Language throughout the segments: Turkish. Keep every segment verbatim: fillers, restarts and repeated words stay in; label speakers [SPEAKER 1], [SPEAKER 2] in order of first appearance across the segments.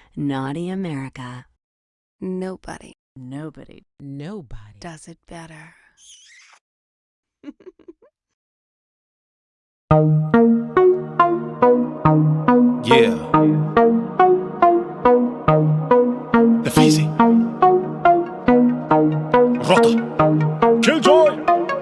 [SPEAKER 1] Naughty America.
[SPEAKER 2] Nobody
[SPEAKER 1] Nobody.
[SPEAKER 3] Nobody.
[SPEAKER 2] does it better.
[SPEAKER 4] Yeah. The Feezy. Rota. Killjoy.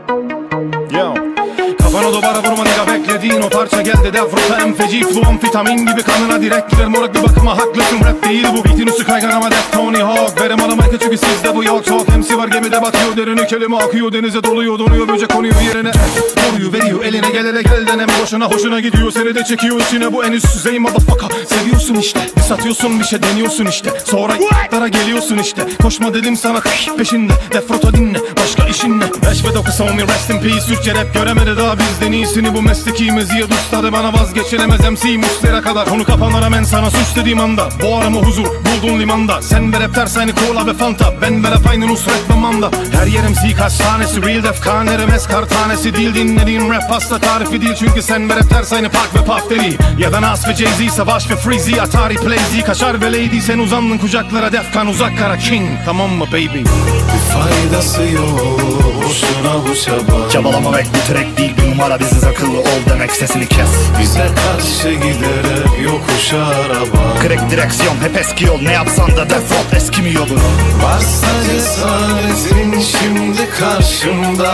[SPEAKER 4] Yo. Kafana duvara vurma nigga, beklediğin o parça geldi dev rota. En feci flow amfetamin gibi kanına direkt girer moruk, bir bakıma haklısın, rap değil bu. Beatin üstü kaygan ama def Tony Hawk. Verem alamayka çünkü sizde bu yok soğuk. M C var gemide batıyor derini, kelime akıyor denize doluyor, donuyor böcek konuyor yerine. Koruyu veriyor eline, gel hele gel deneme boşuna, hoşuna gidiyor seni de çekiyor içine. Bu en üst düzey motherfucker. Seviyorsun işte, satıyorsun bir şey deniyorsun işte, sonra y***lara geliyorsun işte. Koşma dedim sana peşinde, def rota dinle, başka işin ne? beş ve dokuz homie rest in peace. Türkçe rap göremedi daha bizden iyisini, bu meslekimiz ya ustadı bana vazgeçilemez M C Muslera kadar. Konu kapanır hemen sana suç dediğim anda, boğarımı huzur buldun limanda. Sen ver hep ters aynı cola ve fanta, ben ver hep aynı Nusret ve Manda. Her yerim M C kaç tanesi, real def kan eremes kar tanesi değil. Dinlediğin rap pasta tarifi değil, çünkü sen ver hep ters aynı Park ve Puff Daddy. Ya da Nas ve Jay-Z, Savaş ve Freezy, Atari Playsy, Kaşar ve Lady. Sen uzandın kucaklara, Defkan uzak kara king, tamam mı baby?
[SPEAKER 5] Bir faydası yok, boşuna bu çaba.
[SPEAKER 6] Çabalamamak bu track değil, bir numara, biziz akıllı ol demek, sesini kes.
[SPEAKER 5] Bize karşı gider hep yokuş araba.
[SPEAKER 6] Crack direksiyon hep eski yol, ne yapsan da defol, eskimiyor bu.
[SPEAKER 5] Varsa cesaretin şimdi karşımda,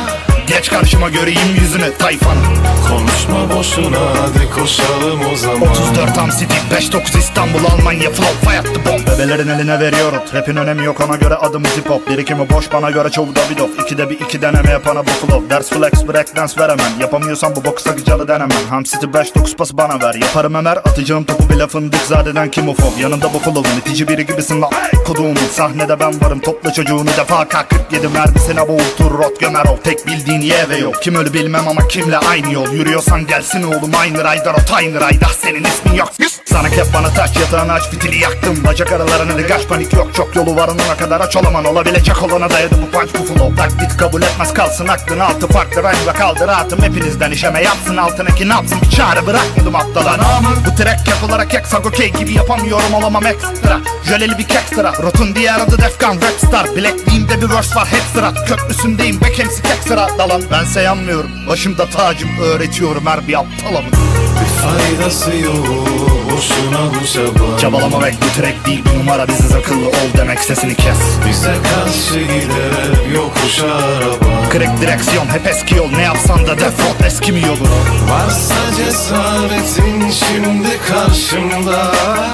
[SPEAKER 6] Geç karşıma göreyim yüzünü tayfanın.
[SPEAKER 5] konuşma boşuna, hadi koşalım o zaman.
[SPEAKER 6] Otuz dört Am City, beş dokuz İstanbul, Almanya flow, fay attı bomb. Bebelerin eline veriyorum, rapin önemi yok ona göre adımız hip hop. Birikimi boş bana göre çoğu da bir dof. İkide bir iki deneme yapana bu flow. Ders flex breakdance veremem, yapamıyorsan bu boku sakıcalı denemem. Ham City beş dokuz pası bana ver, yaparım emer, atacağım topu bile fındık zadeden kim ufob. Yanında bu flow'un itici biri gibisin la koduğumun. Sahnede ben varım, topla çocuğunu defa K kırk yedi mermisine boğultur rot gömer ol. Tek bildiğin ye ve yok, kim ölü bilmem ama kimle aynı yol. Yürüyorsan gelsin oğlum aynı raydar, o tiny rayda senin ismin yok. Sana kep bana taç, yatağını aç, fitili yaktım. Bacak aralarına degaj, panik yok, çok yolu var onuna kadar aç olaman. Olabilecek olana dayadı bu punch bu flow. Taklit kabul etmez kalsın aklın altı farklı rhyme ve kaldır rahatım. Hepinizden işeme yapsın altındaki ne yapsın, bir çare bırakmadım aptala. Bu track yapılarak eksak okey gibi yapamıyorum, olamam ekstra. Jöleli bir kek sıra, rotun diğer adı Defkan Rapstar. Bilekliğimde bir verse var hep sırat, köprüsündeyim back M C tek sıra dalan. Bense yanmıyorum, başımda tacım, öğretiyorum her bir aptala.
[SPEAKER 5] Bir faydası yok, boşuna bu çaba.
[SPEAKER 6] Çabalamamak bu track değil, bir numara, biziz akıllı ol demek, sesini kes.
[SPEAKER 5] Bize karşı gider hep yokuş araba.
[SPEAKER 6] Crack direksiyon hep eski yol, ne yapsan da defol, eskimiyor bu.
[SPEAKER 5] Varsa cesaretin şimdi karşımda,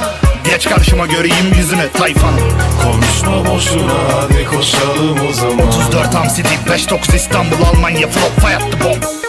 [SPEAKER 6] Geç karşıma göreyim yüzünü tayfanın.
[SPEAKER 5] konuşma boşuna, hadi koşalım o zaman.
[SPEAKER 6] Otuz dört Am City, beş dokuz İstanbul, Almanya flow, fay attı bomb.